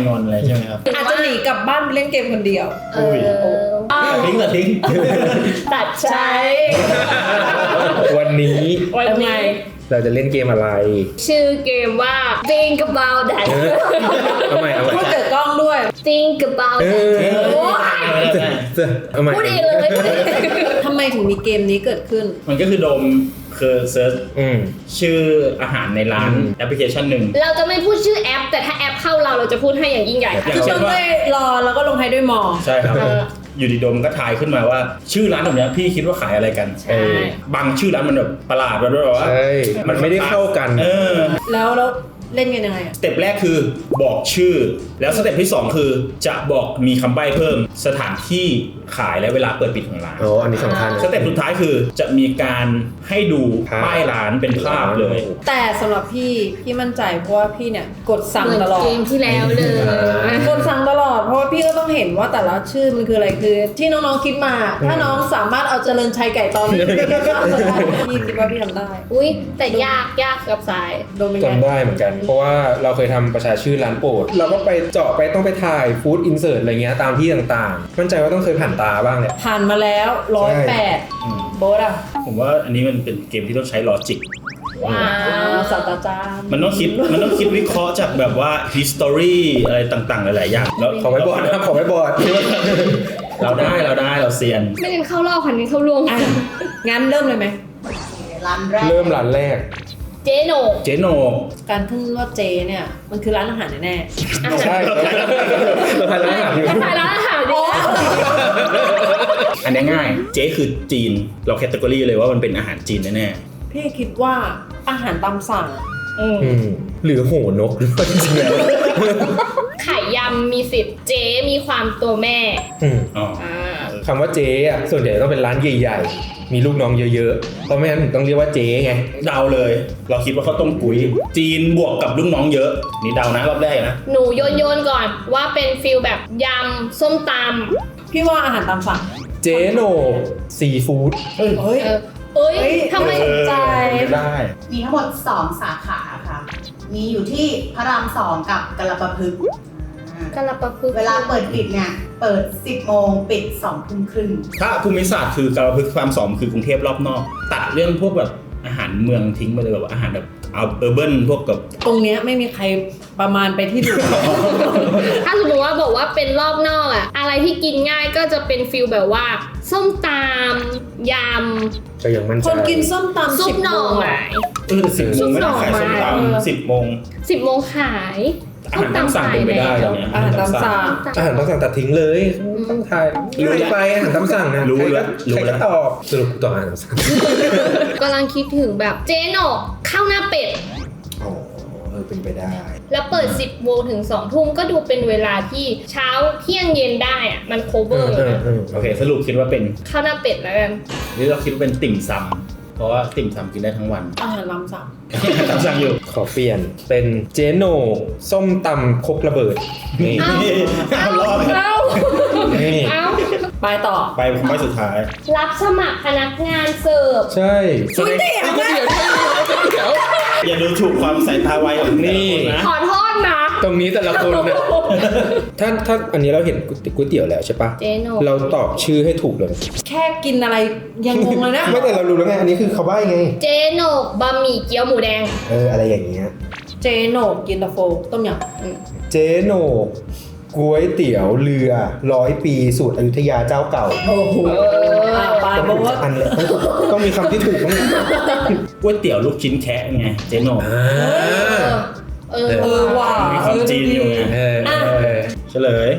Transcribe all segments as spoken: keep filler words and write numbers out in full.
งอนอะไรใช่ไหมครับอาจจะหนีกลับบ้านไปเล่นเกมคนเดียวเออตัดทิ้งตัดทิ้งตัดใช้วันนี้วันนี้เราจะเล่นเกมอะไรชื่อเกมว่า Think about that เอาใหม่เอาใหม่พูดเกิดกล้องด้วย Think about เอ that อโอ้ยเอาใหม่พูดเองเลยพูดเองทำไมถึงมีเกมนี้เกิดขึ้นมันก็คือโดมคือเซิร์ชอืมชื่ออาหารในร้านแอปพลิเคชันหนึ่งเราจะไม่พูดชื่อแอปแต่ถ้าแอปเข้าเราเราจะพูดให้อย่างยิ่งใหญ่ค่ะคือต้องด้วยรอแล้วก็ลงท้ายด้วยมอใช่ครับอยู่ดีโดมก็ทายขึ้นมาว่าชื่อร้านแบบนี้พี่คิดว่าขายอะไรกันใช่บางชื่อร้านมันแบบประหลาดแบบว่าใช่มันไม่ได้เข้ากันเออแล้วแล้วเล่นกันยังไงอ่ะสเต็ปแรกคือบอกชื่อแล้วสเต็ปที่สองคือจะบอกมีคำใบ้เพิ่มสถานที่ขายและเวลาเปิดปิดของร้านโอ้อันนี้สำคัญสเต็ปสุดท้ายคือจะมีการให้ดูป้ายร้านเป็นภาพเลยแต่สำหรับพี่พี่มั่นใจเพราะว่าพี่เนี่ยกดสั่งเหมือนตลอดเกมที่แล้วเลยกดสั่งตลอดเพราะว่าพี่ก็ต้องเห็นว่าแต่ละชื่อมันคืออะไรคือ ที่น้องๆคิดมา ถ้าน้องสามารถเอาเจริญชัยไก่ตอนนี้พี่คิดว่าพี่ทำได้อุ้ยแต่ยากยากกับสายโดนเป็นไงจำได้เหมือนกัน เพราะว่าเราเคยทำประชาชื่อร้านโปรดเราก็ไปเจาะไปต้องไปถ่ายฟู้ดอินเสิร์ตอะไรเงี้ยตามที่ต่างๆมั่นใจว่าต้องเคยผ่านตาบ้างแหละผ่านมาแล้วร้อยแปดโบสอะผมว่าอันนี้มันเป็นเกมที่ต้องใช้ลอจิกว้าอ่าว ศาสตราจารย์มันต้องคิดมันต้องคิดวิเคราะห์จากแบบว่า history อะไรต่างๆหลายๆอย่างแล้วขอไม่บอดนะครับขอไม่บอดเราได้เราได้เราเซียนไม่เน้นเข้ารอบค่ะเน้นเข้ารวมอ่ะงั้นเริ่มเลยไหมร้านแรกเริ่มร้านแรกเจโหนกเจโนการขึ้นว่าเจเนี่ยมันคือร้านอาหารแน่ใช่เราทานร้านอาหารอยู่ก็ถ่ายร้านอาหารดีนะอันนี้ง่ายเจ๊คือจีนเราแคตตากรีเลยว่ามันเป็นอาหารจีนแน่ๆพี่คิดว่าอาหารตามสั่งอืมอืมหรือโหนกหรือว่าจริงๆแล้วไข่ยำมีสิทธิ์เจ๊มีความตัวแม่อืมๆอ๋ออ่าคำว่าเจ๊อะส่วนใหญ่ต้องเป็นร้านใหญ่ๆมีลูกน้องเยอะๆเพราะไม่งั้นถึงต้องเรียกว่าเจ๊ไงเดาเลย เราคิดว่าเขาวต้มกุ้ยจีนบวกกับลูกน้องเยอะนี่เดานะรอบแรกนะหนูโยนโยนก่อนว่าเป็นฟิลแบบยำส้มตพี่ว่าอาหารตามสั่งเจ๊โหนกซีฟู้ดเฮ้ยำเออเอ้ยเฮ้ยทำไมสนใจได้มีทั้งหมดสองสาขาค่ะ มีอยู่ที่พระรามสองกับกระปะพึกษ์อ่ากระปะพึกเวลาเปิดปิดเนี่ย เปิด สิบโมงปิดสองทุ่มครึ่งถ้าภูมิศาสตร์คือกาฬพฤกษ์ความสองคือกรุงเทพรอบนอกตัดเรื่องพวกแบบอาหารเมืองทิ้งไปเลยแบบอาหารแบบเอาเออร์เบิร์นพวกกับตรงเนี้ยไม่มีใครประมาณไปที่ดูถ้าสมมติว่าบอกว่าเป็นรอบนอกอะอะไรที่กินง่ายก็จะเป็นฟิลแบบว่า ส้มตำยก็ยังมั่นใจคนกินส้มำตำซุสิปบหน่อโมงไม้เออสิบโมงไม่ได้ขายส้มตำสิบโมงสิบโมงขายอาหารตามสั่งเป็นไปได้ตอนเนี้ยอาหารตามสั่งอาหารต้องสั่งตัดทิ้งเลยต้องทายรู้ไปอาหารตามสั่งนะรู้แล้วใครรู้ก็แล้วตอบสรุปกูตอบอาหารตามสั่งกำลังคิดถึงแบบเจ๊หนกข้าวหน้าเป็ดอ๋อเออเป็นไปได้แล้วเปิด สิบโมงถึงสองทุ่มก็ดูเป็นเวลาที่เช้าเที่ยงเย็นได้อะมัน cover เออนะเออโอเคสรุปคิดว่าเป็นข้าวหน้าเป็ดแล้วกันนี่เราคิดว่าเป็นติ่มซำเพราะว่าติ่มซำกินได้ทั้งวันอาหารตามสั่งตามสั่งอยู่ขอเปลี่ยนเป็นเจโนส้มตำครกระเบิดนี่เอ้าเอารอบเอ้านี่เอ้าไปต่อไปคำใบ้สุดท้ายรับสมัครพนักงานเสิร์ฟใช่ก๋วยเตี๋ยวก๋วยเตี๋ยวก๋วยเตี๋ยวอย่าดูถูกความสายตาไวของแต่ละคนนะขอโทษนะตรงนี้แต่ละคนนะถ้าถ้าอันนี้เราเห็นก๋วยเตี๋ยวแล้วใช่ปะเจ๊โนเราตอบชื่อให้ถูกเลยแค่กินอะไรยังงงเลยนะไม่แต่เรารู้แล้วไงอันนี้คือเขาใบ้ไงเจ๊โนกบะหมี่เกี๊ยวหมูแดงเอออะไรอย่างเงี้ยเจโหนกกินตาโฟต้มยเจโหนกก๋วยเตี๋ยวเรือร้อยปีสูตรอยุธยาเจ้าเก่าำโอ้โหอ่ะไปโบสอันเลยต้องมีคำที่ถูกต้องก๋วยเตี๋ยวลูกชิ้นแคะไงเจ๊โหนกอ่าเออเออว่ะมีความจีนอยู่ไงเออเออเฉลย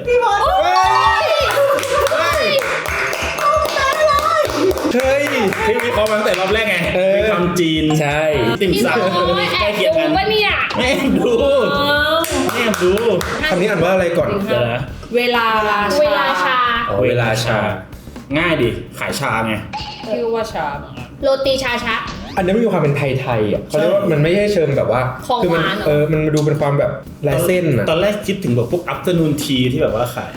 เฮ้ยที่วิเคราะห์มาตั้งแต่รอบแรกไงเออมีความจีนใช่ติ่มพี่ซำโอ้ยแอใกล้บเคียงดูกันปะเนี่ยแม่ดูแม่ดูคำนี้อ่านว่าอะไรก่อนเดี๋ยวนะเวลาเวลาชาอ๋อเวลาชาง่ายดิขายชาไงชื่อว่าชาโรตีชาชักอันนี้มันมีความเป็นไทยๆอ่ะเขาเรียกว่ามันไม่ใช่เชิงแบบว่าของคืมัหวานเหรอเออมันดูเป็นความแบบลายเส้นอ่ะตอนแรกคิดถึงแบบพวก afternoon tea ที่แบบว่าขายพ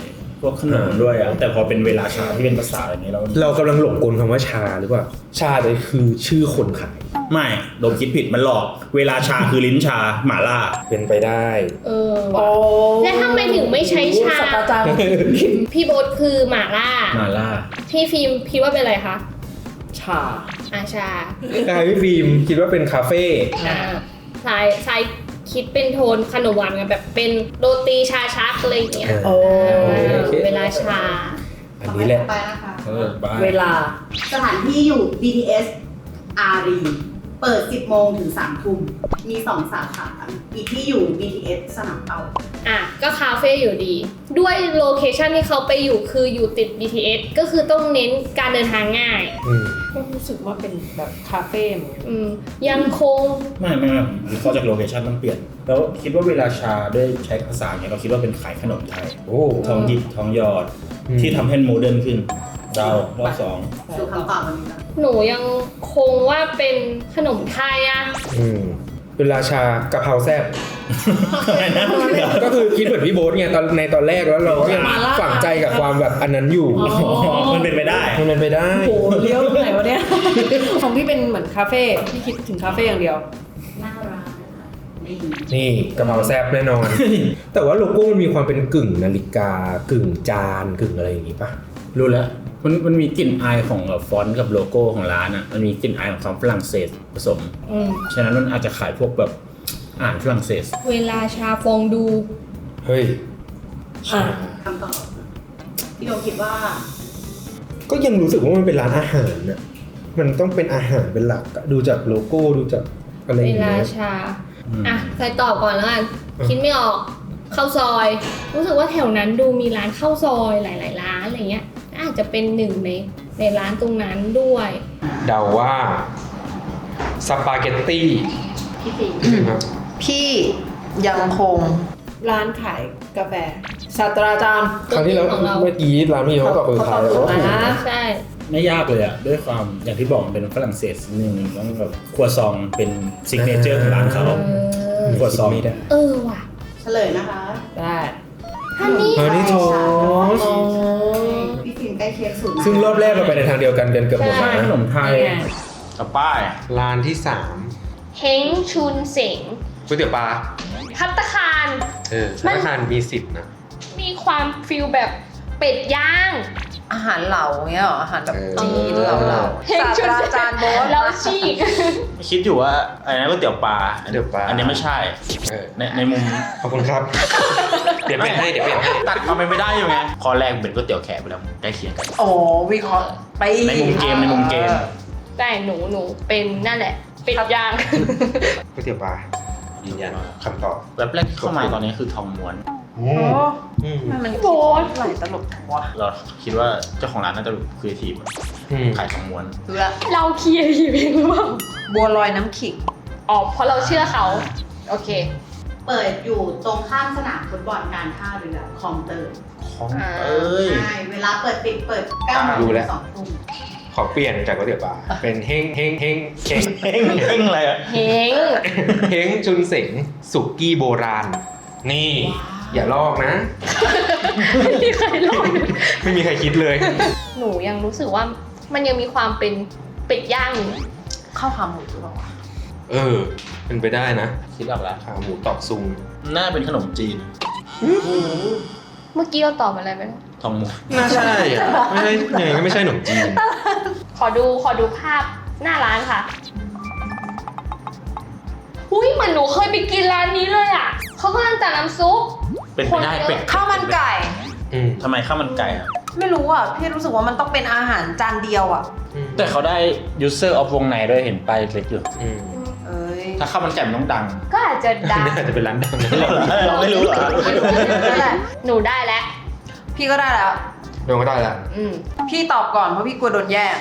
วกขนมด้วยอ่ะแต่พอเป็นเวลาชาที่เป็นภาษาอย่างนี้เราเรากำลังหลงกลคำว่าชาหรือเปล่าชาเลยคือชื่อคนขายไม่โดนคิดผิดมันหลอกเวลาชาคือลิ้นชาหม่าล่าเป็นไปได้เออโอ้แล้วทำไมถึงไม่ใช้ชาศาสตราจารย์พี่โบ๊ทคือหม่าล่าหม่าล่าพี่ฟิล์มคิดว่าเป็นอะไรคะชาอาชาใช่พี่ฟิล์มคิดว่าเป็นคาเฟ่อ่าสายสายคิดเป็นโทนขนมหวานกันแบบเป็นโรตีชาชักอะไรอย่างเงี้ยโอ้อ่าเวลาชาอันนี้แหละต่อไปนะคะเออบ้าเวลาสถานที่อยู่ บี ที เอส อารี เปิด สิบโมงถึงสามทุ่มมีสองสาขาอีกที่อยู่ บี ที เอส สนามเป้าอ่ะก็คาเฟ่อยู่ดี ด้วยโลเคชันที่เขาไปอยู่คืออยู่ติด บี ที เอส ก็คือต้องเน้นการเดินทางง่ายอืมก็รู้สึกว่าเป็นแบบคาเฟ่เหมือนกันอืมยังคงไม่ไม่ไม่วิเคราะห์จากโลเคชั่นต้องเปลี่ยน แล้วคิดว่าเวลาชาด้วยใช้ภาษาอย่างเงี้ยเราคิดว่าเป็นขายขนมไทยโอ้ทองหยิบทองหยอดอืมที่ทำให้โมเดิร์นขึ้นเดารอบสองสู่คำตอบวันนี้นะหนูยังคงว่าเป็นขนมไทยอะอืมเวลาชากะเพราแซ่บอะไรนะเดี๋ยวก็คือคิดเหมือนพี่โบ๊ทไงตอนในตอนแรกแล้วเราก็ยังมาล่าฝังใจกับความแบบอันนั้นอยู่อ๋อมันเป็นไปได้มันเป็นไปได้โอ้โหเลี้ยวตรงไหนวะเนี่ย ของพี่เป็นเหมือนคาเฟ่พี่คิดถึงคาเฟ่อย่างเดียวหน้าร้านนะคะนี่นี่กะเพราแซ่บแน่นอน แต่ว่าโลโก้มันมีความเป็นกึ่งนาฬิกากึ่งจานกึ่งอะไรอย่างงี้ป่ะรู้แล้ว มันมันมีกลิ่นอายของแบบฟอนต์กับโลโก้ของร้านอ่ะ มันมีกลิ่นอายของความฝรั่งเศสผสมอืมฉะนั้นมันอาจจะขายพวกแบบอาหารฝรั่งเศสเวลาชาฟองดูเฮ้ยอ่ะคำตอบพี่โดมคิดว่าก็ยังรู้สึกว่ามันเป็นร้านอาหารน่ะมันต้องเป็นอาหารเป็นหลักอะดูจากโลโก้ดูจากอะไรอเวย่างลาเงี้ยชาอืมอ่ะใส่ตอบก่อนแล้วกันอืมคิดไม่ออกข้าวซอย รู้สึกว่าแถวนั้นดูมีร้านข้าวซอยหลาย ๆ ร้านอะไรเงี้ย อาจจะเป็นหนึ่งในในร้านตรงนั้นด้วยเดาว่าสปาเกตตี้พี่ฟิล์มครับพี่ยังคงร้านขายกาแฟศาสตราจารย์ครั้งที่แล้วของเราเมื่อกี้ร้านพี่เขาตอบคนสุดท้ายแล้วอ่าใช่ไม่ยากเลยอ่ะ ด้วยความอย่างที่บอกมันเป็นฝรั่งเศสนิดนึงต้องแบบครัวซองเป็นซิกเนเจอร์ของร้านเขาเออขวดซองไม่ได้เออว่ะเฉลยนะคะได้ฮันนี่ฮันนี่โทสอ๋อพี่ฟิล์มใกล้เคียงสุดนะซึ่งรอบแรกเราไปในทางเดียวกันกันเกือบหมดใช่ขนมไทยนี่ไงกับป้ายร้านที่สามเฮงชุนเสงก๋วยเตี๋ยวปลาพัตตาคารเออมัธนนาคารมีสิทธิ์นะมีความฟิลแบบเป็ดย่างอาหารเหลาเงี้ยเหรออาหารแบบเออจีนเหลาเหลาเฮงศาสชุตนราเสงจารย์โบ๊ทเราชีกคิดอยู่ว่าอะไรนะก๋วยเตี๋ยวปลาก๋วยเตี๋ยวปลาอันนี้ไม่ใช่เออในในมุมขอบคุณครับ เดี๋ยวเปลี่ยนให้เดี๋ยวเปลี่ยนให้ตัดความเป็นไม่ได้อยู่ไงข้อแรกเป็นก๋วยเตี๋ยวแขกไปแล้วใกล้เคียงกันโอ้วิเคราะห์ไปในมุมเกมในมุมเกมแต่หนูหนูเป็นนั่นแหละ เป็ดย่างก๋วยเตี๋ยวปลายืนยันคำตอบแบบแรกที่เข้ามาตอนนี้คือทองม้วนโอ้อืมมันโบ๊ทไหลตลกว่ะเราคิดว่าเจ้าของร้านน่าจะครีเอทีฟอืมขายทองม้วนดูละเราเคลียร์ทีเองหรือเปล่าบัวลอยน้ำขิงอ๋อเพราะเราเชื่อเขา โอเคเปิดอยู่ตรงข้ามสนามฟุตบอลการท่าเรือคลองเตยของเอ้ยใช่เวลาเปิดปิดเปิดเก้าโมงรู้ถึแล้วงสองทุ่มขอเปลี่ยนจากก๋วยเตี๋ยวปลาเป็นเฮงเฮงเฮงเฮงเฮ้งเฮ้งอะไรอ่ะเฮงเฮงชุนเสงสุกี้โบราณ นี่ อย่าลอกนะไม่มีใครลองไม่มีใครคิดเลยหนูยังรู้สึกว่ามันยังมีความเป็นเป็ดย่างอยู่ข้าวขาหมูหรือเปล่าวะเออ เป็นไปได้นะคิดออกแล้วขาหมูตอกซุงน่าเป็นขนมจีนเมื่อกี้เราตอบอะไรไปแล้วทองม้วนน่าใช่อ่ะ ไม่ใช่ยังไงก็ไม่ใช่ขนมจีนขอดูขอดูภาพหน้าร้านค่ะ อุ้ยเหมือนหนูเคยไปกินร้านนี้เลยอ่ะเขากำลังจัดน้ำซุปเป็นไปได้เป็ดข้าวมันไก่อืมทำไมข้าวมันไก่อ่ะไม่รู้อ่ะ พี่รู้สึกว่ามันต้องเป็นอาหารจานเดียวอ่ะอืมแต่เขาได้ user of วงในด้วยเห็นไปายเล็กอยู่อืมเอ้ยถ้าข้าวมันไก่มันต้องดังก็อาจจะดังน่าจะเป็นร้านดังนะเราไม่รู้เหรอนั่นแหละหนูได้แล้วพี่ก็ได้แล้วโดนก็ได้ละอืมพี่ตอบก่อนเพราะพี่กลัวโดนแย่ง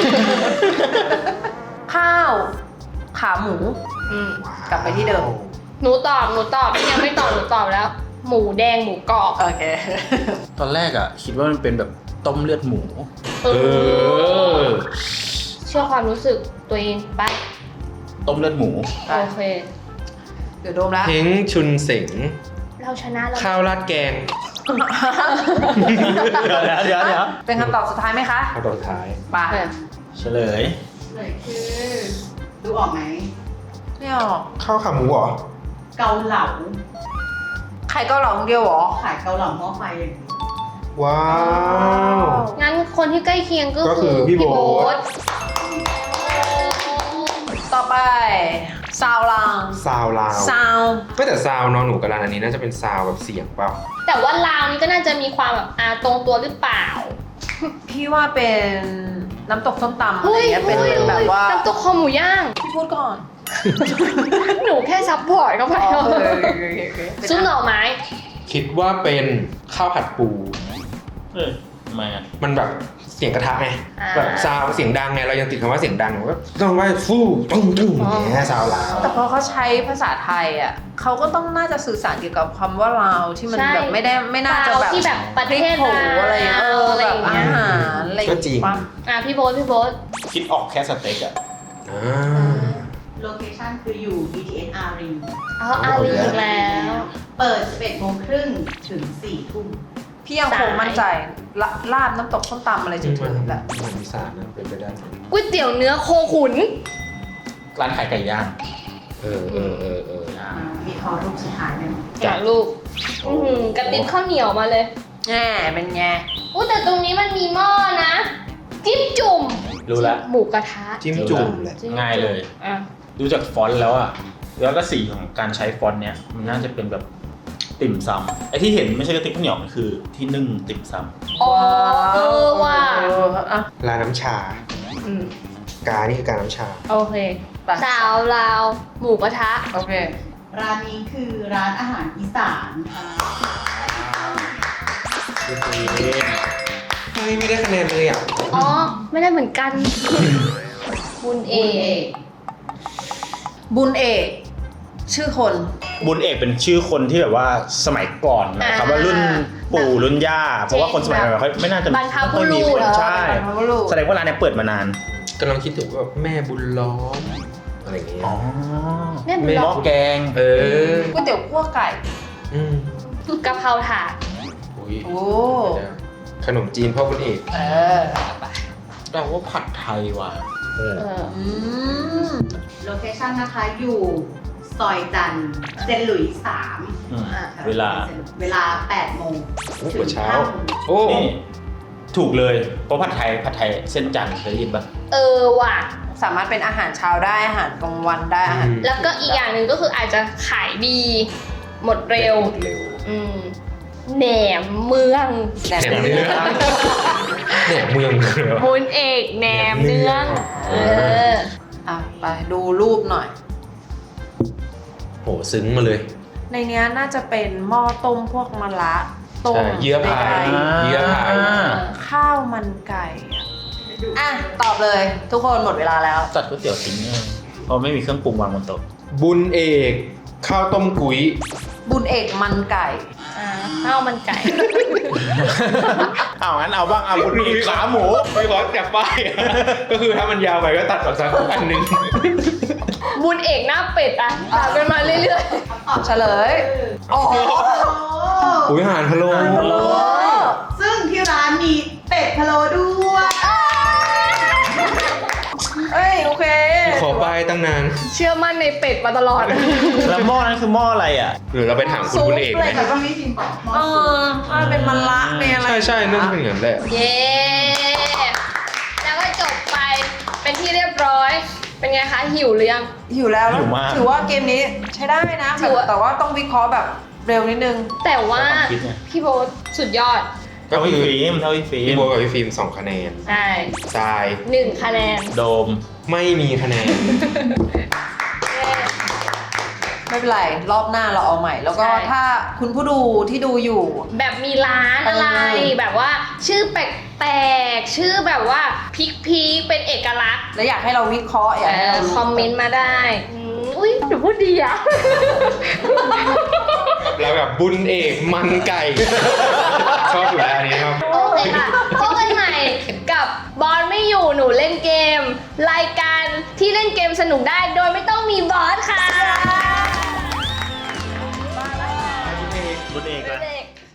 ข้าว ขาหมูอืมกลับไปที่เดิมหนูตอบหนูตอบพี่ยังไม่ตอบหนูตอบแล้ว หมูแดงหมูกรอบโอเคตอนแรกอ่ะ คิดว่ามันเป็นแบบต้มเลือดหมูเอเอออเชื่อความรู้สึกตัวเองไปต้มเลือดหมูไปโอเคเดี๋ยวโดมแล้วเฮงชุนเสงเราชนะแล้วข้าวราดแกงเดี๋ยวเดี๋ยวเดี๋ยวเดี๋ยวเป็นคำตอบสุดท้ายไหมคะเอาตอนสุดท้ายไปเฉลยเลยคือดูออกไหมไม่ออกข้าวขาหมูเหรอเกาเหลาใครก็หลองเดียวเหรอขายเกาเหลาหม้อไฟอย่างนี้ว้าวงั้นคนที่ใกล้เคียงก็ก็คืคือ อพี่โบ๊ททต่อไปซาวลางซาวลาวซาวก็แต่ซาวนอนหนูกับร้านอันนี้น่าจะเป็นซาวแบบเสียงเปล่าแต่ว่าลาวนี่ก็น่าจะมีความแบบอาตรงตัวหรือเปล่าพี่ว่าเป็นน้ำตกส้มตำอะไรอย่างเงี้ยเป็นเป็นแบบว่าน้ำตกคอหมูย่างพี่พูดก่อนหนูแค่ซัพพอร์ตเข้าไปอ๋อโอเคโอเคโอเคโอเคซุปหน่อไม้คิดว่าเป็นข้าวผัดปูเออทำไมอ่ะมันแบบเสียงกระทะไงอ่าแบบซาวเสียงดังไงเรายังติดคำว่าเสียงดังก็ต้องว่าฟู่ตุ้งตุ้งอย่างเงี้ยซาวลาวแต่พอเขาใช้ภาษาไทยอ่ะเขาก็ต้องน่าจะสื่อสารเกี่ยวกับคำว่าลาวที่มันใช่แบบไม่ได้ไม่น่าจะแบบที่แบบประเทศพริกผงอะไรอย่างเงี้ยเอออะไรแบอบ ย่างอาเงี้ยหารอะไรอย่างก็จริงเงี้ยปะอ่ะพี่โบ๊ทพี่โบ๊ทคิดออกแค่สเต็กอ่ะอ่าโลเคชั่นคืออยู่ บี ที เอส อารีอ๋ออาลีอีกแล้วเปิด สิบเอ็ดโมงครึ่งถึง สี่ทุ่มพี่ยังคงมั่นใจละลาบน้ำตกส้มตำอะไรจจริงริงๆแหละมันอีสานนะเป็นไปได้ก๋วยเตี๋ยวเนื้อโคขุนร้านขายไก่ย่างเออเออเออเออย่างมีคอรูปสุดท้ายไหมจากลูกอื้อหือกระติบข้าวเหนียวมาเลยแง่เป็นไงอู้แต่ตรงนี้มันมีหม้อนะ จิ้มจุ่มรู้แล้วหมูกระทะจิ้มจุ่มแหละจิ้มจุ่มง่ายเลยอ่ะดูจากฟอนต์แล้วอ่ะ แล้วก็สีของการใช้ฟอนต์เนี้ยมันน่าจะเป็นแบบติ่มซำไอ้ที่เห็นไม่ใช่กระติบข้าวเหนียวมันคือที่นึ่งติ่มซำอ๋อเออว่ะเอออ่ะร้านน้ำชาอืมกานี่คือการน้ำชาโอเคไปสาวลาว หมูกระทะโอเคร้านนี้คือร้านอาหารอีสานค่ะเฮ้ยไม่ได้คะแนนเลยอ่ะอ๋อ ไม่ได้เหมือนกัน บุญเอบุญเอกบุญเอกชื่อคนบุญเอกเป็นชื่อคนที่แบบว่าสมัยก่อนนะครับว่ารุ่นปู่รุ่นย่า เพราะว่าคนสมัยก่อนเขาไม่น่าจะบรรพบุรุษไม่มีคนใช่บรรพบุรุษแสดงว่าร้านเนี้ยเปิดมานานกำลังคิดถึงว่าแบบแม่บุญล้อมอะไรอย่างเงี้ยอ๋อแม่บุญหล้ม้ออมแกงเออก๋วยเตี๋ยวคั่วไก่อืมกะเพราถาดอุ้ยโอ้ขนมจีนพ่อบุญเอกเออแต่ว่าผัดไทยว่ะเออเอออืมโลเคชั่นนะคะอยู่ซอยจันทร์เซนต์หลุยส์สามอืมอ่ะเวลาเวลา แปดโมงโอ้ถึหัวงเช้าห้าโมงโอ้นี่ถูกเลยเพราะผัดไทยผัดไทยเส้นจันทร์เคยได้ยินปะเออว่ะสามารถเป็นอาหารเช้าได้อาหารกลางวันได้อาหารแล้วก็อีกอย่างหนึ่งก็คืออาจจะขายดี หมดเร็วหมดเร็วอืมแหนมเมืองแหนมแหนมเนื้อ แหนมเมืองเลยเหรอบุญเอกแหนมเนือง เอออ่ะไปดูรูปหน่อยโหซึ้งมาเลยในเนี้ยน่าจะเป็นหม้อต้มพวกมะระต้มใช่เยื่อพายไก่เยื่อพายข้าวมันไก่อะอ่ะ ตอบเลย ทุกคนหมดเวลาแล้วจัดก๋วยเตี๋ยวทิ้งเนี่ยเพราะไม่มีเครื่องปรุงวางบนโต๊ะบุญเอกข้าวต้มกุ้ยบุญเอกมันไก่อ่าข้าวมันไก่เอางั้นเอาบ้างเอาบุญเอกขาหมูไม่ร้อนจากป้าย ก็คือถ้ามันยาวไปก็ตัดออกสักอันหนึงบุญเอกหน้าเป็ดอ่ะตามกันมาเรื่อยเฉลย โอ้โหอุ้ยอาหารพะโล้โอ้ซึ่งที่ร้านมีเป็ดพะโล้ด้วยเอ้ย โอเคขอป้ายตั้งนานๆ เชื่อมั่นในเป็ดมาตลอดแล้วหม้อนั้นคือหม้ออะไรอ่ะหรือเราไปถามคุณบุญเอกไหมแต่ก็ไม่พิมพ์บอกหม้อเอซุปอถ้าเป็นมันละเป็นอะไรใช่ใช่น่าจะเป็นอย่างนั้นแหละเย้ แล้วก็จบไปเป็นที่เรียบร้อย เป็นไงคะ หิวหรือยังหิวแล้วหิวมากถือว่าเกมนี้ใช้ได้นะถือว่าแต่ว่าต้องวิเคราะห์แบบเร็วนิดนึงแต่ว่าความคิดไงพี่โบ๊ทสุดยอดก็เท่าคืพี่อฟิล์มเท่าพี่ฟิพี่ล์มโบทกับพี่ฟิล์มสองคะแนนใช่ทรายหนึ่งคะแนนโดมไม่มีคะแนนไม่เป็นไร รอบหน้าเราเอาใหม่ แล้วก็ใช่ถ้าคุณผู้ดูที่ดูอยู่แบบมีร้านอะไรเออแบบว่าชื่อแปลกๆ ชื่อแบบว่าพิกพีคเป็นเอกลักษณ์แล้วอยากให้เราวิเคราะห์อยากให้เรารู้คอมเมนต์มาได้อืมอุ้ยหนูพูดดีอะแล้วแบบบุญเอกมันไก่ ชอบอยู่แล้วอันนี้ครับโอเคค่ะพบกันใหม่กับบอลไม่อยู่หนูเล่นเกม รายการที่เล่นเกมสนุกได้โด